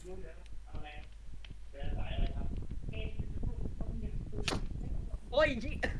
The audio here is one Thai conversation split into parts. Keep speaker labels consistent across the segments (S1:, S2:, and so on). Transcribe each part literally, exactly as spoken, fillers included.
S1: โอ้ย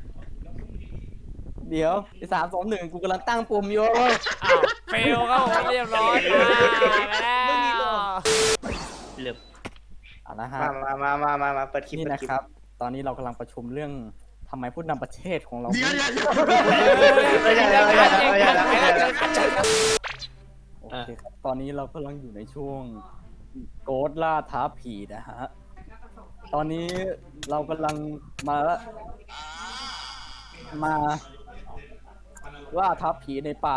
S2: เดี๋ยวสามสองหนึ่งกูกำลังตั้งปุ่มอยู่
S3: อ้าวเฟลครับผมเรียบร้อยมาแล้ว
S1: เหลือบ
S2: เอาละฮะ
S4: มามามามามาเปิดคลิป
S2: นี่นะครับตอนนี้เรากำลังประชุมเรื่องทำไมผู้นำประเทศของเรา
S5: เดี๋ยวเดี๋ยวเดี๋ยว
S4: ไม่ใช่แล้วไม่ใช่แล้วไม่ใช่แล้วไม่ใช่แล้ว
S2: โอเคครับตอนนี้เรากำลังอยู่ในช่วงโกดล่าท้าผีนะฮะตอนนี้เรากำลังมามาล่าท้าผีในป่า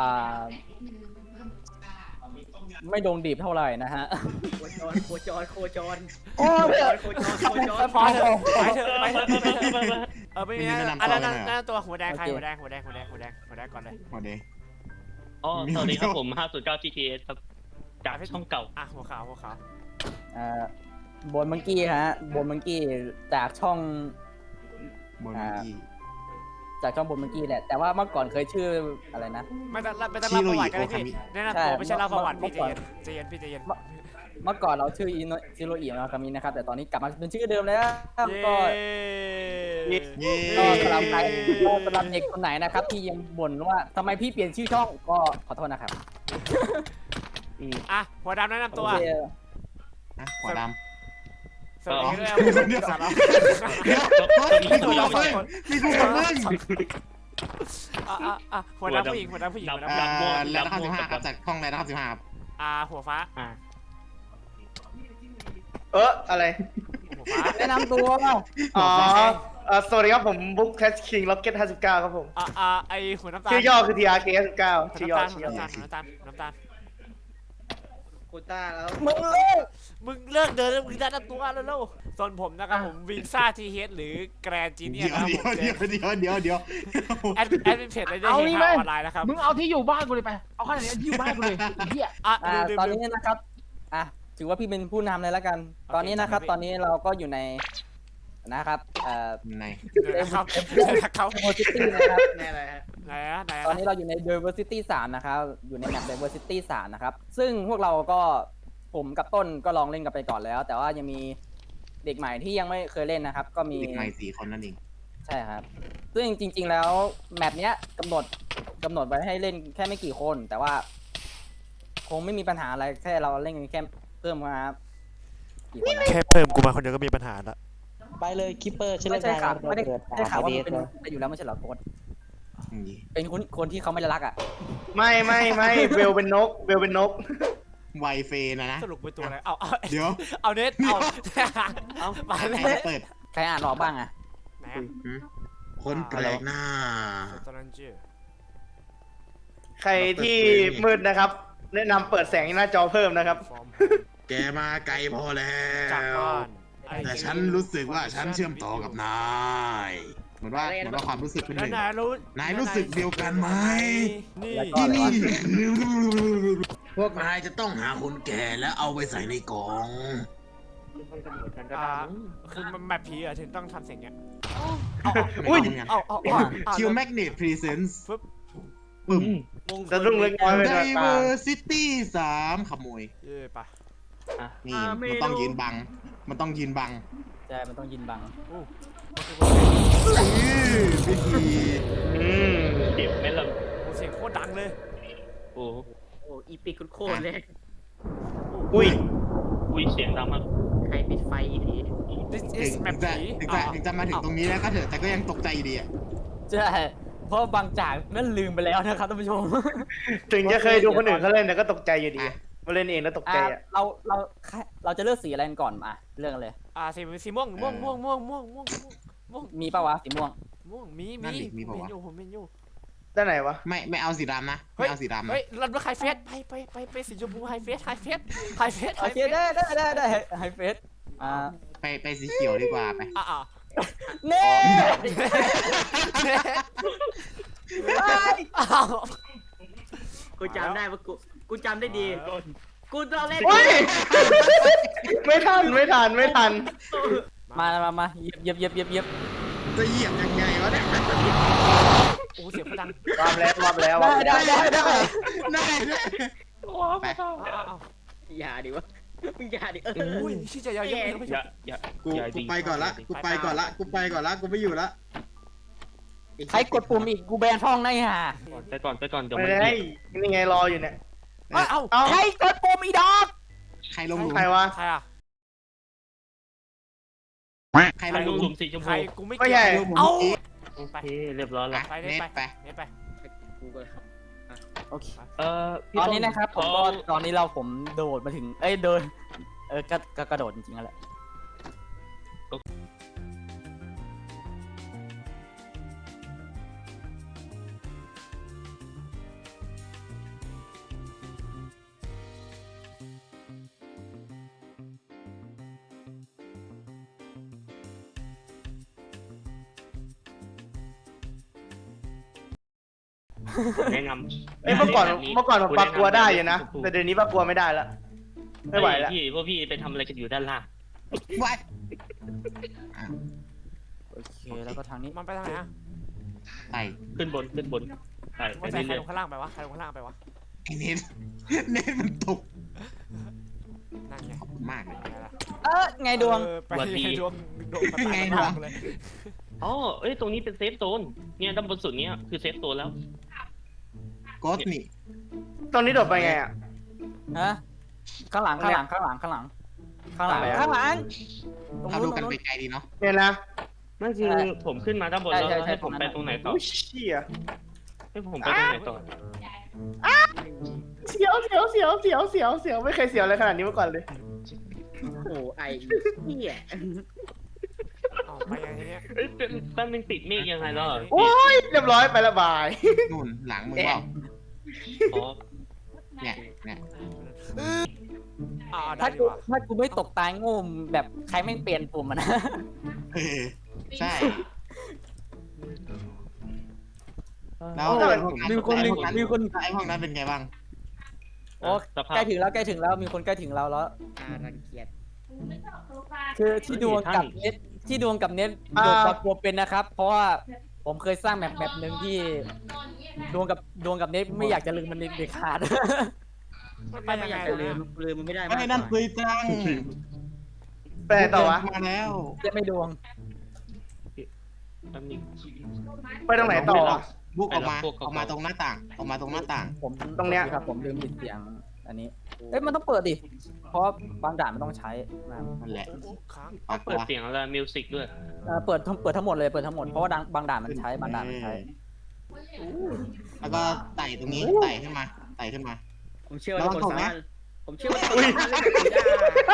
S2: ไม่ดงดีบเท่าไหร่นะฮะ
S1: โคจรโคจรโคจร
S2: โอ้ย
S1: โคจรโคจร
S3: พอเถอะไปเถอะไปเถอะเออไม่มีนะอันนั้นนั่นตัวหัวแดงใครหัวแดงหัวแดงหัวแดงหัวแดงหัวแดงก่อนเลย
S5: หัวแดง
S1: อ๋อสวัสดีครับผมห้าศูนย์เก้า จี ที เอส ครับจากช่องเก่า
S3: อ่ะหัวขาวหัวขาว
S2: อ่าบนมังกี้ฮะบนมังกี้จากช่อง
S5: บนมังกี้
S2: จากช่องบนมังกี้แหละแต่ว่าเมื่อก่อนเคยชื่ออะไรนะ
S3: ไม่ต้องไม่ต้องเล่าประวัติกันเลยพี่แนะนำตัวไม่ใช่เล่าประวัติพี่ใจเย็นพี่ใจเย็น
S2: เมื่อก่อนเราชื่ออิโนซิโรอินะคามินะครับแต่ตอนนี้กลับมาเป็นชื่อเดิมแล้วก็ก็สำหรับใครก็สำหรับเด็กคนไหนนะครับที่ยังบ่นว่าทำไมพี่เปลี่ยนชื่อช่องก็ขอโทษนะครับ
S3: อ่ะหัวดำแนะนำตัว
S5: อ่ะหัวดำ
S3: สวัสดีครับ
S5: เดี๋ยวมีกูกับมึงมีกูกับมึง
S3: อ่ะอ่ะอ่ะหัวดำผู้หญิงหัวดำผู้หญิงหัวดำ
S5: แล้วนะครับสิบห้าครับจากช่องอะไรนะครับสิบห้า
S3: อ่าหัวฟ้า
S1: อ่า
S4: เอออะไร
S3: หัวฟ้า
S2: แนะนำตัว
S4: อ๋อสวัสดีครับผมบุ๊กแคชคิงล็อกเก็ตห้าสิบเก้าครับผม
S3: อ่าอ่าไอหัวน้ำตาล
S4: ชื่อย่อคือ ที อาร์ เค ห้าสิบเก้าชื่อย่อชื่อย่อ
S3: น้ำตาลน้ำตาลน้ำตาล
S1: โคต้าแล้ว
S2: มึงเลิก
S3: มึงเลิกเดินมึงจะนับตัวแล้วแล้วส่วนผมนะครับผมวินซ่าทีเฮดหรือแกรนจีเนียนะครับผม
S5: เดี๋ยวเดี๋ยวเดี๋ยวเดี๋ยว
S3: แอดแอดเป็นเพจอะไรได้เห็นข่าวออนไลน์นะครับ
S6: มึงเอาที่อยู่บ้านกูเลยไปเอาขนาดนี้ที่อยู่บ้านกูเลยเฮีย
S3: อ่ะ
S2: ตอนนี้นะครับอ่ะถือว่าพี่เป็นผู้นำเลยแล้วกันตอนนี้นะครับตอนนี้เราก็อยู่ในนะครับเอ่อ
S5: ใน
S3: นะครับเขา
S2: diversity นะครับ
S1: ในอะไรฮะ
S3: ไหนอะไหน
S2: ตอนนี้เราอยู่ใน diversity สามนะครับอยู่ในแมป diversity สามนะครับซึ่งพวกเราก็ผมกับต้นก็ลองเล่นกันไปก่อนแล้วแต่ว่ายังมีเด็กใหม่ที่ยังไม่เคยเล่นนะครับก็มี
S5: เด็กใหม่สี่คนนั่นเอง
S2: ใช่ครับซึ่งจริงๆแล้วแมปเนี้ยกำหนดกำหนดไว้ให้เล่นแค่ไม่กี่คนแต่ว่าคงไม่มีปัญหาอะไรแค่เราเล่นกันแค่เพิ่มมากี่คน
S3: แค่เพิ่มกูมาคนเดียวก็มีปัญหาละ
S6: ไปเลยคิปเปอร์ชื่อ
S2: ไม่ใช่ข่าวไม่ได้ได้ข่าวว่า
S6: เป็
S2: นไปอยู่แล้วไม่ใช่เหรอโค้ดเป็นคนคนที่เขาไม่รักอ่ะ
S4: ไม่ไม่ไม่เวลเป็นนกเวลเป็นนก
S5: ไวเฟนะนะ
S3: สรุปเป็นตัวอะไรเอาเอา
S5: เดี๋ยว
S3: เอาเน็ตเอา
S5: เอามาเลยเปิด
S2: ใครอ่านออกบ้างอ่ะ
S3: ไหน
S5: คนแปลกหน้า
S3: ตอนนั้นชื่อ
S4: ใครที่มืดนะครับแนะนำเปิดแสงหน้าจอเพิ่มนะครับ
S5: แกมาไกลพอแล้วแต่ฉันรู้สึกว่าฉันเชื่อมต่อกับนายเหมือนว่าเหมือนว่าความรู้สึกเป็นหนึ่ง
S3: นายรู้
S5: นายรู้สึกเดียวกันไหม
S2: ที่
S5: นี่พวกนายจะต้องหาคนแก่แล้วเอาไปใส่ในกล่อง
S3: คือมันแบบผีอะถึงต้องทำเสียงเนี้ย
S5: อุ้ย
S3: เอาเอา
S5: คิวแมกเนตพรีเซนส์
S3: ปึ๊บ
S5: ปึ้ม
S4: จะรุ่งเรืองน้อยไปหน่อย
S5: Diversity สามขโมย
S3: เย่ปะ
S5: นี่มันต้องยืนบังมันต้องยืนบัง
S2: ใช่มันต้องยืนบัง
S5: พิธี
S4: อืม
S1: เจ็บไหมล่ะ
S3: เสียงโคตรดังเลย
S1: โอ้โหอีปิกโคตรเลย
S4: อุ้ย
S1: อุ้ยเสียงดังมากใครปิดไฟอีที
S3: ถึง
S5: จะถึงจะมาถึงตรงนี้แล้วก็เถอะแต่ก็ยังตกใจอยู่ดีอ่ะ
S2: ใช่เพราะบางจากนั่นลืมไปแล้วนะครับท่านผู้ชม
S4: ถึงจะเคยดูคนอื่นเขาเล่นแต่ก็ตกใจอยู่ดีมาเล่นเองแล้วตกใจอ่ะ
S2: เราเราเราจะเลือกสีอะไรก่อนมาเรื่องเลย
S3: อ่าสีสีม่วงม่วงม่วงม่วงม่วงม่วงม่วง
S2: มีป่าวะสีม่วง
S3: ม่วงมีมีมีผมเห็นอยู่ผมเห็นอยู่
S4: ด้านไหนวะ
S5: ไม่ไม่เอาสีดำนะไม่เอาสีดำ
S3: เฮ้ยรันว่าไฮเฟสไปไปไปไปสีชมพูไฮเฟสไฮเฟสไฮเฟส
S2: โอเคได้ได้ได้ได้ไฮเฟสอ่า
S5: ไปไปสีเขียวดีกว่าไป
S3: อ่า
S2: เน่
S1: กูจำได้ว่ากูกูจำได้ดีกูตอนเล่น
S4: ไม่ทันไม่ทันไม่ทัน
S2: มามามาเย็บเย็บเย็บเย็บ
S5: จะเหยียบยังไงวะเนี่ย
S3: โอ้เสียงพลัง
S4: วามแล้ววามแล้ว
S2: ได้ได้ได้
S5: ได้ได้
S3: ไป
S1: อย่าดิวะมึงอย่าดิเออ
S3: อุ้ยชี้จะยาวๆไม่
S7: อย่าอย่า
S5: กู
S7: อย่า
S5: กู
S7: ดี
S5: ไปก่อนละกูไปก่อนละกูไปก่อนละกูไม่อยู่ละ
S2: ใครกดปุ่มอีกกูแบนช่องได้ห่า
S7: ไปก่อนไปก่อนเดี๋ยว
S4: ไม่
S7: มัน
S4: ได้
S7: เบียด
S4: นี่ไงรออยู่เนี่ย
S3: เอ้าเอ้า
S4: เอา
S2: ใครกดปุ่มอีดอก
S5: ใครลงหลุม
S4: ใครวะ
S3: ใครอ่ะ
S5: ใคร
S7: ใค
S5: ล
S7: รง
S5: ห
S7: ล
S5: ลุ
S7: ง
S5: ม
S7: หลุมสีชม
S3: ใคร
S7: พู
S3: กูไม่
S4: ก็
S3: เกี่
S4: ใหญ่
S3: ยวเอ้า
S7: โอเคเรียบร้อยแล้ว
S3: ไป
S5: เน็
S3: เล่น
S5: ต
S3: ไป
S5: ไป
S3: เล่นไป
S1: กูก็ครับ
S2: โอเค
S7: เอ่อพี่
S2: ตอนนี้นะครับผมก็
S7: ขอ
S2: ตอนนี้เราผมโดดมาถึง เอ้ยเดินเออก็ก็กระโดดจริงๆนั่นแหละ
S7: แนะนำ
S4: เอ้ยเมื่อก่อน
S7: แบบ
S4: เมื่อก่อนผมปากกลัวได้อยู่นะ
S7: ชมพู
S4: แต่เดี๋ยวนี้ปากกลัวไม่ได้ละไม่ไหวละ
S7: พี่พวกพี่ไปทำอะไรกันอยู่ด้านล่าง
S5: วัด
S2: โอเคแล้วก็ทางนี้
S3: มันไปทางไหนอ่ะ
S5: ไต่
S7: ขึ้นบนขึ้นบนไปไป
S3: มันใส่ใคร
S7: เรื่อย
S3: ลงข้างล่างไปวะใครลงข้างล่างไปวะ
S5: ไอ้เน็ตเน็ตมันตก
S3: นั่นไง
S5: ขอบคุณมากเลย
S3: ไงล่ะ
S2: เออไงดวง
S3: เออไปไงดวงดวงประสาน
S5: ไง
S3: กัน
S5: ดวง
S3: มากเลย
S7: ๆอ๋อเอ้ยตรงนี้เป็นเซฟโซนเนี่ยด้านบนสุดเนี้ยคือเซฟโซนแล้ว
S5: โกสนี่
S4: ตรงนี้โดดไปไงอ่ะ
S2: ฮะข้างหลังข้างหลังข้างหลังข้างหลังข้างหลัง
S4: อะไรอะ
S2: ข้างหลังตรง
S5: เรา
S2: นู้
S5: ดู
S2: นต
S5: กั
S2: ร
S5: น
S2: งนู้น
S5: ไกลๆดีเนาะ
S4: เนี่ยนะ
S7: นั่นคือผมขึ้นมาด้านบนแล้ว
S2: ใช่ใช่
S7: ให้ผม
S2: ตรงนั้น
S7: ไปตรงไหนต่อ
S4: อุ้ยเชี่ย
S7: ให้ผมไปตรงไหนต่อ
S4: เสียวเสียวเสียวเสียวเสียวเสียวไม่เคยเสียวอะไรขนาดนี้มาก่อนเลย
S1: โอ้ไอ้เหี้ย
S3: เอ้าไปไงทีเนี้ย
S7: เอ้ยเป็นแป๊บนึงติดเมฆยังไงแล้วอ่ะ
S4: โอ้ยเรียบร้อยไปละบาย
S5: นู่นหลังมึงเปล่า
S7: อ๋อ
S5: เนี่ยเนี่ย
S3: อ่าได้
S2: ถ้า
S3: ดี
S2: กู
S3: กว่า
S2: ถ้ากูไม่ตกตายโง่แบบใครไม่เปลี่ยนปุ่มอะนะ
S5: เออใช่แล้ว
S2: โอ้
S5: ไอ้พวกนั้น
S2: มีคน
S5: ไอ้พวกนั้น
S2: มีคน
S5: ไอ้พวกนั้นเป็นไงบ้าง
S2: โอ้
S7: สภาพ
S2: ใกล้ถึงแล้วใกล้ถึงแล้วมีคนใกล้ถึงเราแล้ว
S1: อารังเกียจ
S2: คือที่ดวงกับเน็ตที่ดวงกับเน็ตโดดปลากลัวเป็นนะครับ เพราะว่าผมเคยสร้างแมปแมปหนึ่งที่ดวงกับดวงกับเน็ตไม่อยากจะลืมมันเด็ดขาด
S3: มันไป
S1: ไม่
S3: ยัง
S1: อ
S3: ไง
S1: ยากจะลื
S3: วะ
S1: มลืมมันไม่ได้
S5: ไอ้นั่นคุยจัง
S4: ไปไหนต่อวะ
S5: มาแล้ว
S2: จะไม่ดวง
S7: แป๊บนึง
S4: ไปตรงไหนต่อวะ
S5: บุกออกมา
S7: ไปแล้วพวก
S5: ออกมาตรงหน้าต่าง ออกมาตรงหน้าต่าง
S2: ผม
S4: ตรงเนี้ย
S2: ครับผมลืมปิดเสียงอันนี้เอ้ยมันต้องเปิดดิเพราะบางด่านมันต้องใช้นะครับ
S5: นั่นแหละ
S3: โอ้โหค้าง
S5: ออก
S7: เปิดเสียงอะไรมิวสิกด้วย
S2: เอ่อเปิดทั้งเปิดทั้งหมดเลยเปิดทั้งหมดเพราะว่าดังบางด่านมันใช้บางด่านมันใช้
S5: แล้วก็ไต่ตรงนี้ ไต่ขึ้นมา ไต่ขึ้นมา
S1: ผมเชื่อว่า
S5: ระวั
S1: ทุ
S5: ง
S1: กคน
S5: ตก
S1: สา
S5: นะ
S1: มารถผมเชื่อว่าทุกคนสามารถเล่นแบบนี้ได้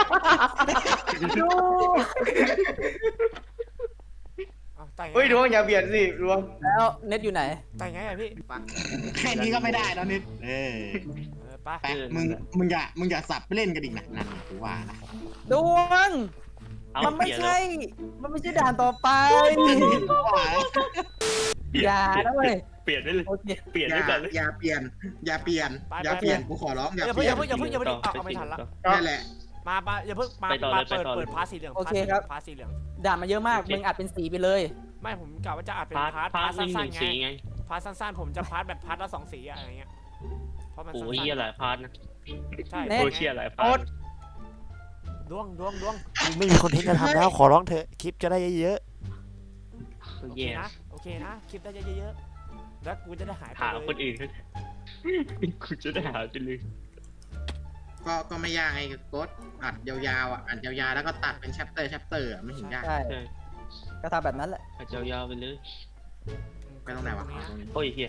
S3: เอาไต่ไง
S4: เฮ้ยดวงอย่าเบียดสิดวง
S2: แล้วเน็ตอยู่ไหน
S3: ไต่ไงอะพี่
S5: แค่นี้ก็ไม่ได้แล้วนิด เออ
S3: เออไป
S5: ไป มึง มึงอย่า มึงอย่าสับไปเล่นกันอีกนะนั่นกูว่านะ
S2: ดวง
S7: เอา
S2: มันไม่
S7: เปลี่ยน
S2: ใช่ มันไม่ใช่ด่านต่อไป
S5: กูว่านะ
S2: อย่านะเว้ย
S7: เปลี่ยนได้เลย
S2: โอเค
S7: เปลี่ยน
S5: อ
S7: ได้
S5: ย่า
S7: ก่อนเลย
S5: อย่าเปลี่ยน อย่าเปลี่ยน อย่าเปลี่ยน กูขอร้องอย่า
S3: อย่า
S5: เป
S3: เพิ่ง
S5: ลี่
S3: อย ย่าน เพิ่งอย่าเพิ่งอย่าเพิ่งเอาเอาไม่ทันละ
S5: นั่นแหละ
S3: มามาอย่าเพิ่งมา
S7: ไปต่อ
S3: มา
S7: เลย
S3: เปิด
S7: ไปต่อเลย
S3: เปิดพาร์ทสีเหลือง
S2: โอเคครับ
S3: พาร์ทสีเหลือง
S2: ด่านมาเยอะมาก มึงอัดเป็นสีไปเลย
S3: ไม่ผมกะว่าจะอัดเป็น
S7: พาร์ท
S3: พาร์ท
S7: พา
S3: พา
S7: ร์
S3: ร์
S7: ท
S3: ท
S7: หนึ่งห
S3: สั้
S7: นึ่
S3: นๆไง
S7: งสีไง
S3: พาร์ทสั้นๆผมจะพาร์ทแบบพาร์ทละสองสีอะอะไรเงี้ยเพราะมัน
S7: โอ้
S3: สั้น
S7: ย
S3: ๆ
S7: เหี้ยหลายพาร์ทนะ
S3: ใช่
S2: เน็ต
S7: โอ้ยเชี่ยหลายพาร์ท
S3: ดวงดวงดวงไม่มีคอนเทนต์จะทำแล้วขอร้องเถอะคลิปจะได้เยอะ
S7: โอ้
S3: ๆ
S7: ย
S3: โอเค
S7: แย่
S3: นะโอเคนะคลิปได้เยอะๆแล้วกูจะได้หายไป
S7: หา
S3: เลย
S7: คนอื่นกูจะได้หาไปเลย
S5: ก็ ก็ไม่ยากไงกดอัดยาวๆอ่ะ อัดยาวๆ แล้วก็ตัดเป็นแชปเตอร์แชปเตอร์อ่ะไม่เห็นยาก
S2: ใช่
S7: ใช่
S2: ก็ทำแบบนั้นแหละ
S7: อาจจะยาวๆไปเลย
S5: ไปตรงไหนวะอ๋อตรงนี้
S7: โอ้ยเฮีย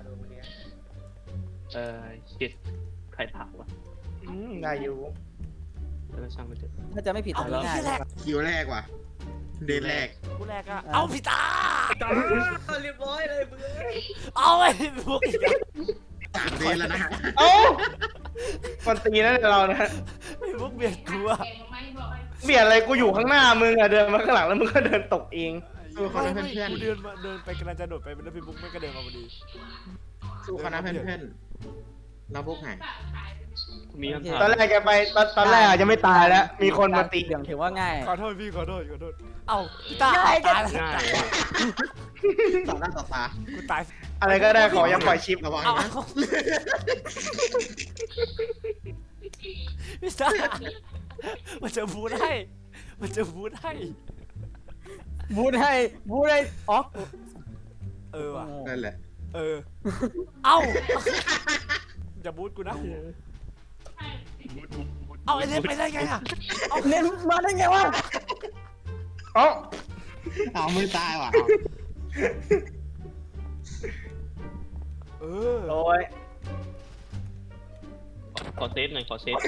S7: เออชิดใครถามวะ
S4: อืมได้อยู่
S7: แล้วก็ช่างมันเถอะ
S2: ถ้าจะไม่ผิด
S3: เอา
S2: ทำง่าย
S3: ที่แรก
S5: คิวแรกว่ะ เดนแรก
S3: กูแรกอะเอาพี่ตา
S1: เรียบร้อยเลยมึง
S3: เอาไอ้พวกอีกแล้ว
S5: สามเดนแล้วนะ
S4: เอ้าคนตีนั่นเรานะ
S3: ไอ้พวกเบียดกูอะ
S4: เบียดอะไรกูอยู่ข้างหน้ามึงอะเดินมาข้างหลังแล้วมึงก็เดินตกเอง
S5: สู้เขานะ
S3: ไม่
S5: เพื่อน
S3: กูเดินมาเดินไปกำลังจะโดดไปแล้วพี่บุ๊กไม่ก็เดินมาพอดี
S5: ๆสู้เขานะเพื่อนๆเราพวกไหน
S7: มีคำถาม
S4: ตอนแรกแกไปตอนตอนแรกอะจะไม่ตายแล้ว มีคนมาตี
S2: เหลืองถือว่าง่าย
S3: ขอโทษพี่ขอโทษขอโทษเอ้าพี่ตา
S2: ง่าย
S3: ตายแล้ว
S7: ง่าย
S5: ต่อหน้าต่อตา
S3: กูตาย
S4: อะไรก็ได้ขอยังปล่อยชิประ
S5: วัง
S3: เอา
S5: นะ
S3: พี่ซ่ามันจะบูทให้มันจะบูทให้
S2: บูทให้บูทให้อ๋อ
S3: เออว่ะ
S5: นั่นแหละ
S3: เออเอ้าอย่าบูทกูนะเอาไอ้เล่นไปได้ไงอ่ะ
S2: เอาเน้นมาได้ไงวะ
S4: เอ้า
S5: เอาไม่ตายว่ะ
S3: เออ
S4: โอ้ย
S7: ขอเซฟหน่อยขอเซฟ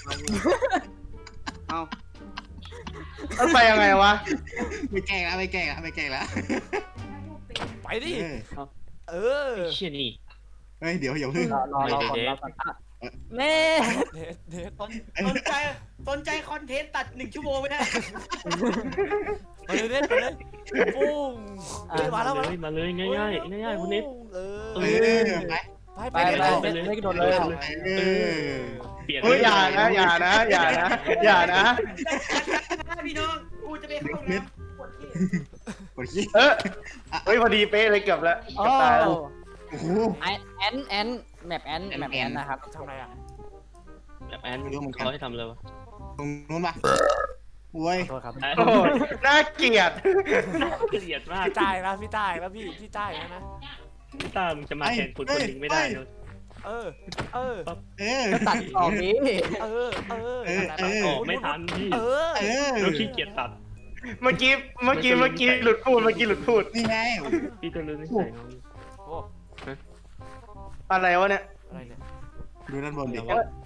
S1: เอา
S4: มันไปยังไงวะ
S5: ไม่แกล้งแล้วไม่แกล้งแล้วไม่แกล้งแล้ว
S3: ไปดิ
S5: เออ
S3: เออ
S7: เชี่ยนี่
S5: เฮ้ยเดี๋ยวอย่าเพิ่ง
S2: รอรอรอก่อนรอก่อนอ่ะแม่
S3: เน็ตเน็ต
S1: สนสนใจสนใจคอนเทนต์ตัดหนึ่งชั่วโมงไม่ได้
S3: ไปเลยเน็ตไปเลยปุ้งเฮ้ยมาแล้วมา
S7: เล
S3: แล้ว
S7: ยมาเลยง่ายง่ายง่ายง่ายคุณเน็ต
S3: เออ
S5: เออไป
S3: ไป
S2: ไป
S3: ไป
S2: ไป
S3: ไป
S2: เน็ตเน็ตกระโดดเลย
S5: เออ
S7: เปลี่ยน
S4: เฮ้ยอย่านะอย่านะอย่านะอย่านะ
S1: พี่น้องกูจะไปเข้าห้องน้ำปวดขี้
S5: กดขี้
S4: เออเฮ้ยพอดีเป๊ะเลยเกือบแล้ว
S2: โอ้
S4: เกือบตายแล้ว
S5: โอ้โห
S2: ไอแอนแอนแมปแอนแมปแอนนะครับ
S3: ทำอะไรอ่ะ
S7: แบบแอนเขาให้ทำเลยวะ
S5: ตรงนู้นปะโว้ย
S2: โทษครับ
S4: โอ้โหน่าเกลียด
S7: เกลียดมาก
S3: พี่ตายแล้วพี่ตายแล้วพี่พี่ตายแล้วนะ
S7: พี่ตามจะมาแทนคนคนหนึ่งไม่ได้เลย
S3: เออเออ
S5: เออ
S2: ก็ตัดออกนี้
S3: เออเออ
S5: เออเออ
S7: ออกไม่ทันพี่
S3: เออ
S5: เออ
S7: เราขี้เกียจตัด
S4: เมื่อกี้เมื่อกี้เมื่อกี้หลุดพูดเมื่อกี้หลุดพูด
S5: นี่ไง
S7: พี่ต้องรู้นิสัยน้อง
S3: โอ้
S4: อะไรวะเนี่ย
S3: อะไรเนี่ย
S5: ดูด้านบนดิ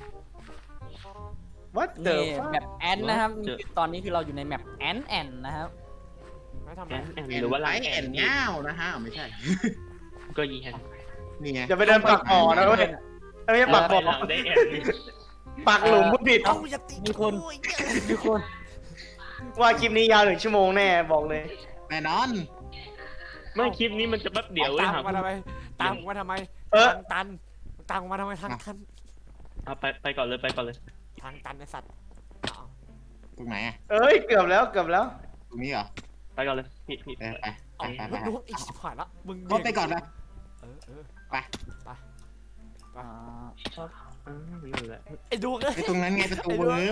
S4: What the
S2: นี่
S4: fuck
S2: แมปแอนนะครับตอนนี้คือเราอยู่ในแมปแอนแอนนะครับ
S3: ไม่ทำอะ
S7: แอ
S3: ไร
S7: นแอนหรือว่าลายแอ
S5: แอน นเงานะฮะไม่ใช่
S7: ก็ยีแอน
S5: นี่ไง
S4: อย่าไปเดินปักหมอนะเว้ยไม่ใช่ปักหม
S7: ไป
S4: อ
S7: หลังได้แอน
S4: ปักหลุมผู้ผิด
S3: เอ้าอย่าตี
S2: มีคน
S3: โอ้ย
S2: มีคน
S4: ว่าคลิปนี้ยาวหนึ่งชั่วโมงแน่บอกเลย
S5: แน่นอน
S7: ไม่คลิปนี้มันจะแป๊บเดียวเว้ย
S3: ตาม
S7: ครับ
S3: มาทำไมตามมาทำไม
S4: เออ
S3: ทางตันตามมาทำไมทางตัน
S7: เอาไปไปก่อนเลยไปก่อนเลย
S3: ทางตันไอสัตว์อ้าว
S5: ตรงไหนอะ
S4: เอ้ยเกือบแล้วเกือบแล้ว
S5: ตรงนี้เหรอ
S7: ไปก่อนเลยพี่พี่
S5: ไปไปไปไปไป
S3: มึงรู้อีกสิบผ่านละมึง
S5: ก็ไปก่อนไป
S3: เออเออ
S5: ไป
S2: อ่า
S7: อ่านั่นแหละ
S3: ไอ้ดวงเอ้ย
S5: ไปตรงนั้นไงประตู
S3: ไอ้ดวง
S5: เวิ
S3: เอ้ย
S5: ร์บ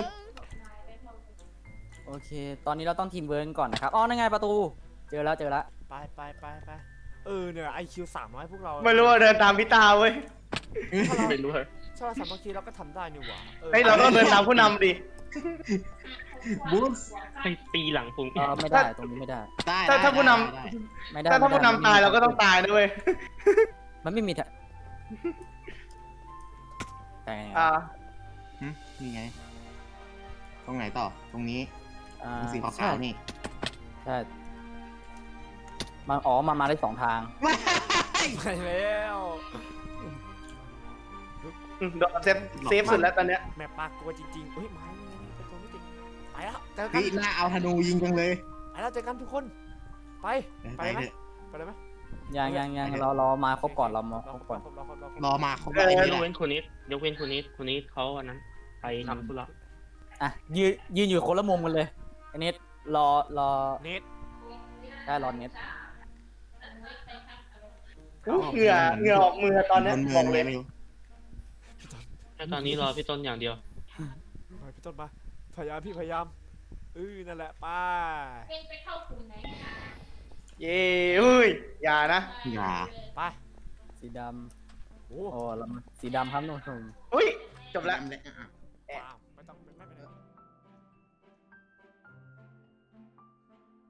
S2: โอเค ตอนนี้เราต้องทีมเวิร์นก่อนนะครับอ๋อนั่นไงประตูเจอแล้วเจอแล้ว
S3: ไปไปไปไปเออเนี่ยไอคิวสามร้อยพวกเรา
S4: ไม่รู้ว่าเดินตามพี่ตาเว้ย
S7: ไม่รู้เหรอ
S3: ถ้าเราสามัคคีเราก็ทำได้นี่หว่าออ
S4: เฮ้ยเราต้องเดินตามผู้นำดิ
S5: บูส
S7: ให้ตีหลังผม
S2: เออไม่ได้ตรงนี้ไม่ได้
S5: ได้
S4: ถ้าถ้าผู้น
S5: ได้
S2: ไม่ได้
S4: ถ้าถ้า
S2: ไม่
S4: ผู้
S2: ได้
S4: นำตายเราก็ต้องตายนะเว้ย
S2: มันไม่มีทางแต่ไง
S4: อ่า
S5: หึนี่ไง ตรงไหนต่อ ตรงนี้
S2: อ่า
S5: ตรงสีขา
S2: ใช่
S5: วๆนี่
S2: ใช่มาอ๋อมามาได้สองทาง
S3: ไปแล้ว
S4: โดนเซฟเซฟสุดแล้วตอนเนี้ย
S3: แมปปากกลัวจริงๆเฮ้ยมาแล้วเป็นตัวมิติไปแล้วเจอกั
S5: เฮ้
S3: น
S5: ยน่าเอาธนูยิงจังเลย
S3: ไปแล้วเจอกันทุกคนไป
S5: ไป
S3: ไปไหม
S5: เถอะ
S3: ไปเลยไหม
S2: ยังยังยังเราเรามาครบก่อนเรามาครบก่อน
S3: รรรรร
S5: รอมาเขา
S7: ย
S5: ได้
S7: ก
S5: นี่แหละ
S7: เว้นคนนี้ยกเว้นคนนี้คนนี้เขาอันนั้นไปทำธุระ
S2: อ่ะยืนยืนอยู่คนละมุมกันเลยอันนี้รอรอ
S3: เน็ต
S2: ได้รอเน็ต
S4: อู้เหงื่อเหงื่อออกมือตอนเนี้ย
S5: บนเมื
S4: บ
S5: อ
S4: อง ก
S5: เล
S4: เลย ย
S5: ไม่รู้
S7: แค่ตอนนี้รอพี่ต้นอย่างเดียว
S3: ไปพี่ต้นมาพยายามพี่พยายามเออนั่นแหละไป
S4: เย้เฮ้ยอย่านะ
S5: อย่า
S3: ไป
S2: สีด
S3: โอ้
S2: ำโอ้เรามาสีดำครับน้องชม
S4: อุ้ยจบแล้ว
S3: ว้าว